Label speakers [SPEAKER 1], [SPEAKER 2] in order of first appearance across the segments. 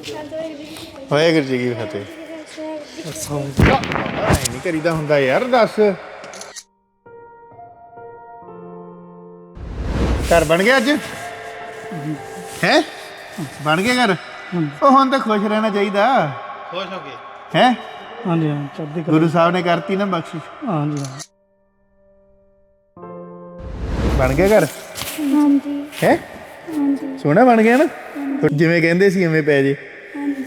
[SPEAKER 1] ਵਾਹਿਗੁਰੂ ਜੀ ਕੀ ਫਤਿਹ। ਨਹੀਂ ਕਰੀਦਾ ਹੁੰਦਾ ਯਾਰ, ਦੱਸ। ਘਰ ਬਣ ਗਿਆ ਅੱਜ ਹੈ? ਬਣ ਗਿਆ ਘਰ? ਉਹ ਹੁਣ ਤਾਂ ਖੁਸ਼ ਰਹਿਣਾ ਚਾਹੀਦਾ। ਖੁਸ਼ ਹੋ ਗਏ ਹੈ?
[SPEAKER 2] ਹਾਂਜੀ ਹਾਂ, ਚੜ੍ਹਦੀ ਕਲਾ।
[SPEAKER 1] ਗੁਰੂ ਸਾਹਿਬ ਨੇ ਕਰਤੀ ਨਾ ਬਖਸ਼ਿਸ਼।
[SPEAKER 2] ਹਾਂਜੀ ਹਾਂ।
[SPEAKER 1] ਬਣ ਗਿਆ ਘਰ?
[SPEAKER 3] ਹਾਂਜੀ
[SPEAKER 1] ਹੈ?
[SPEAKER 3] ਹਾਂਜੀ
[SPEAKER 1] ਸੋਹਣਾ ਬਣ ਗਿਆ ਨਾ, ਜਿਵੇਂ ਕਹਿੰਦੇ ਸੀ ਐਵੇਂ ਪੈ ਜੇ।
[SPEAKER 3] ਹਾਂਜੀ।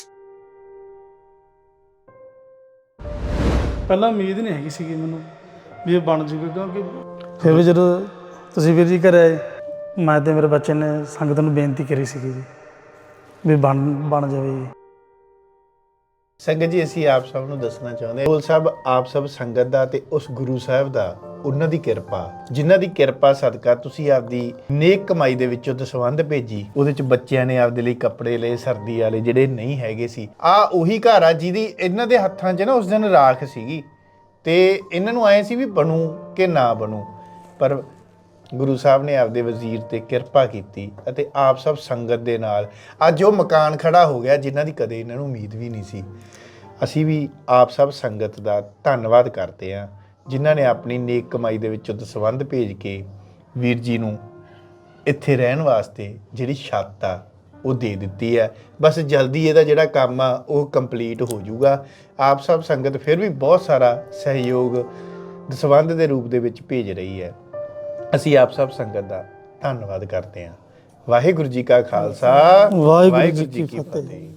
[SPEAKER 2] ਪਹਿਲਾਂ ਉਮੀਦ ਨਹੀਂ ਹੈਗੀ ਸੀਗੀ ਮੈਨੂੰ ਵੀ ਇਹ ਬਣ ਜੂਗਾ, ਕਿਉਂਕਿ ਫਿਰ ਵੀ ਜਦੋਂ ਤੁਸੀਂ ਵੀਰ ਜੀ ਘਰੇ ਆਏ, ਮੈਂ ਤੇ ਮੇਰੇ ਬੱਚੇ ਨੇ ਸੰਗਤ ਨੂੰ ਬੇਨਤੀ ਕਰੀ ਸੀਗੀ ਜੀ ਵੀ ਬਣ ਜਾਵੇ ਜੀ।
[SPEAKER 1] ਸੰਗਤ ਜੀ, ਅਸੀਂ ਆਪ ਸਭ ਨੂੰ ਦੱਸਣਾ ਚਾਹੁੰਦੇ ਹਾਂ, ਸਾਹਿਬ ਆਪ ਸਭ ਸੰਗਤ ਦਾ ਤੇ ਉਸ ਗੁਰੂ ਸਾਹਿਬ ਦਾ, ਉਹਨਾਂ ਦੀ ਕਿਰਪਾ, ਜਿਨ੍ਹਾਂ ਦੀ ਕਿਰਪਾ ਸਦਕਾ ਤੁਸੀਂ ਆਪਦੀ ਨੇਕ ਕਮਾਈ ਦੇ ਵਿੱਚੋਂ ਦਸਵੰਧ ਭੇਜੀ। ਉਹਦੇ ਚ ਬੱਚਿਆਂ ਨੇ ਆਪਦੇ ਲਈ ਕੱਪੜੇ ਲਏ, ਸਰਦੀ ਵਾਲੇ ਜਿਹੜੇ ਨਹੀਂ ਹੈਗੇ ਸੀ। ਆ ਉਹੀ ਘਰ ਆ ਜਿਹਦੀ ਇਹਨਾਂ ਦੇ ਹੱਥਾਂ 'ਚ ਨਾ ਉਸ ਦਿਨ ਰਾਖ ਸੀਗੀ, ਤੇ ਇਹਨਾਂ ਨੂੰ ਆਏ ਸੀ ਵੀ ਬਣੂ ਕਿ ਨਾ ਬਣੂ, ਪਰ ਗੁਰੂ ਸਾਹਿਬ ਨੇ ਆਪਦੇ ਵਜ਼ੀਰ ਤੇ ਕਿਰਪਾ ਕੀਤੀ ਅਤੇ ਆਪ ਸਭ ਸੰਗਤ ਦੇ ਨਾਲ ਅੱਜ ਉਹ ਮਕਾਨ ਖੜਾ ਹੋ ਗਿਆ, ਜਿਨ੍ਹਾਂ ਦੀ ਕਦੇ ਇਹਨਾਂ ਨੂੰ ਉਮੀਦ ਵੀ ਨਹੀਂ ਸੀ। ਅਸੀਂ ਵੀ ਆਪ ਸਭ ਸੰਗਤ ਦਾ ਧੰਨਵਾਦ ਕਰਦੇ ਹਾਂ, ਜਿਨ੍ਹਾਂ ਨੇ ਆਪਣੀ ਨੇਕ ਕਮਾਈ ਦੇ ਵਿੱਚੋਂ ਦਸਵੰਧ ਭੇਜ ਕੇ ਵੀਰ ਜੀ ਨੂੰ ਇੱਥੇ ਰਹਿਣ ਵਾਸਤੇ ਜਿਹੜੀ ਛੱਤ ਆ ਉਹ ਦੇ ਦਿੱਤੀ ਹੈ। ਬਸ ਜਲਦੀ ਇਹਦਾ ਜਿਹੜਾ ਕੰਮ ਆ ਉਹ ਕੰਪਲੀਟ ਹੋ ਜਾਊਗਾ। ਆਪ ਸਭ ਸੰਗਤ ਫਿਰ ਵੀ ਬਹੁਤ ਸਾਰਾ ਸਹਿਯੋਗ ਦਸਵੰਧ ਦੇ ਰੂਪ ਦੇ ਵਿੱਚ ਭੇਜ ਰਹੀ ਹੈ। ਅਸੀਂ ਆਪ ਸਭ ਸੰਗਤ ਦਾ ਧੰਨਵਾਦ ਕਰਦੇ ਹਾਂ। ਵਾਹਿਗੁਰੂ ਜੀ ਕਾ ਖਾਲਸਾ, ਵਾਹਿਗੁਰੂ ਜੀ ਕੀ ਫਤਿਹ।